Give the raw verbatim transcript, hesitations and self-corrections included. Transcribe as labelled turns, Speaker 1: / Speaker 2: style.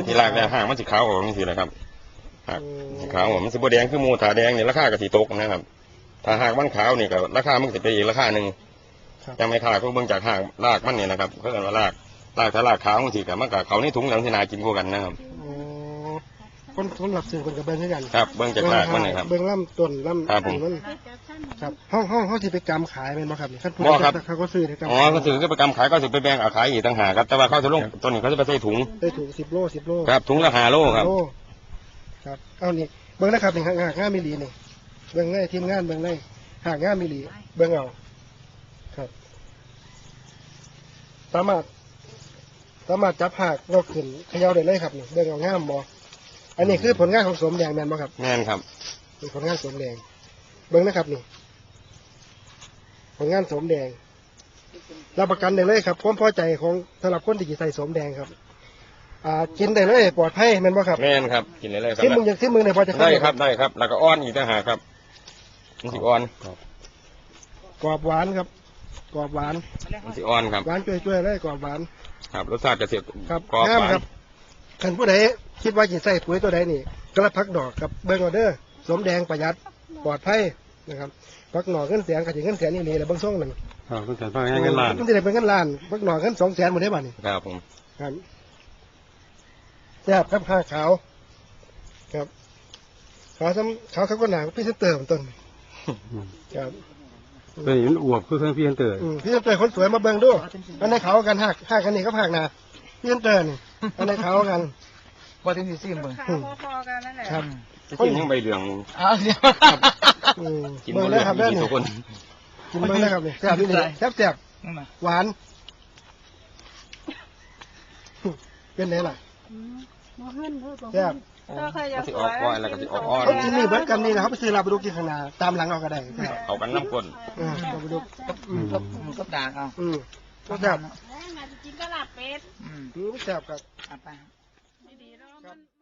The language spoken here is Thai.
Speaker 1: ที่รากเนี่ยห่างมันสีขาวออกนี่สิแหละครับหากสีขาวมันสีบแดงคือมูถาแดงเนี่ยราคากับสีตกนะครับถ้าหากมันขาวนี่ก็ราคามันจะไปอีกราคาหนึ่งยังไม่ขาดก็เบิ่งจากหากรากมันเนี่ยนะครับเขาเรียกว่ารากรากถ้ารากขาวมันสีกับมันกับเขานี่ถุงหลังที่นากินคู่กันนะครับ
Speaker 2: คนคนหลับสื่อคนกับเบิ้งกัน
Speaker 1: ครับเบิ้งจากรากมันนะครับ
Speaker 2: เบิ้งล่ำต้นล่ำต้นมันครับห้องห้องห้องที่ไปกำขายเป็นบ่ครับขั้นตอนเขาก็ซื้ออ๋
Speaker 1: อเขาซื้อก็ไปกำขายก็ซื้อไปแบ่งเอาขายอีกต่างหากครับแต่ว่าเขาจะลงต้นนี้เขาจะไปใส่ถุง
Speaker 2: ใส่ถุงสิบโลสิบโล
Speaker 1: ครับถุงละห้าโลครับ
Speaker 2: ครับเอานี่เบิ้งนะครับนี่หากง่ามิลีนี่เบิ้งง่ายทีมงานเบิ้งง่ายหากง่ามิลีเบิ้งเอาครับสามารถสามารถจับหากเราขึ้นเขย่าได้เลยครับนี่เบิ้งเอาง่ามบ่อันนี้คือผลงานของสมแดงแมนบ่ครับ
Speaker 1: แมนครับ
Speaker 2: เป็นผลงานสมแดงเบิ้งนะครับนี่ผลงานสมแดงรับประกันได้เลยครับความพอใจของสำหรับคนที่ใส่สมแดงครับอ่ากินได้เลยปลอดภัยแมนบ่ครับ
Speaker 1: แมนครับกินได้เลยครับ
Speaker 2: ที่มึงอย่างที่มึงเนี่ยพอจะ
Speaker 1: ได้ครับได้ครับแล้วก็อ้อนอีกต่างหากครับมันสิอ่อน
Speaker 2: กรอบหวานครับกรอบหวาน
Speaker 1: มันสิอ่อนครับ
Speaker 2: หวานช่วยๆเลยกรอบหวาน
Speaker 1: ครับรสชาติจะเสีย
Speaker 2: ครับกรอบหวานขันผู้ใดคิดว่าจะใส่ปุ๋ยตัวใดนี่กระพักดอกกับเบิ้งออเดอร์สมแดงประหยัดปลอดภัยนะครับพักหน่อเงินแสนกับถึงเงินแสนนี่เลยแหละบางช่วงหนึ่ง
Speaker 1: ครับเงินแสนพักเงินล้าน
Speaker 2: มันจะได้เป็นเงินล้านพักหน่อเงินสองแสนหมดได้บ้านี่
Speaker 1: ครับผม
Speaker 2: ครับแซ่บครับข้าขาวครับขาวซ้ำขาวเขาก็หนาพี่เซนเตอร์ต้นครับ
Speaker 1: เป็นอย่างอวบคือเครื่องพี่เซนเตอร์
Speaker 2: พี่เซนเตอร์คนสวยมาเบิ้งดูอันในเขากันหักหักกันนี่ก็หักนาพี่เซนเตอร์นี่อันในเขากัน
Speaker 3: พอถึงสี่สิบเบิ้ง
Speaker 4: พอๆกันนั่นแหละ
Speaker 2: ครับ
Speaker 1: กินยังใบเหลือง
Speaker 3: อ้าว
Speaker 2: กินเบิ้งได้ครับได้นี่กินเบิ้งได้ครับนี่แซ่บนี่แซ่บแซ่บหวานเป็นไงล่ะแซ่บ
Speaker 1: ก็สิออกก้อยแล้วก็สิออกอ้อน
Speaker 2: เขากินนี่เบิ้งกันนี่นะครับไปซื้อลาบดูกินข้างหน้าตามหลังเอาก็ได้
Speaker 1: เอากันน้ำก้น
Speaker 2: อ่าลาบดู
Speaker 3: กับกับด่างเอา
Speaker 2: อืมก็แซ่บ
Speaker 4: กินก็ลาบเป็ด
Speaker 2: อืมแซ่บครับ
Speaker 3: เอาไป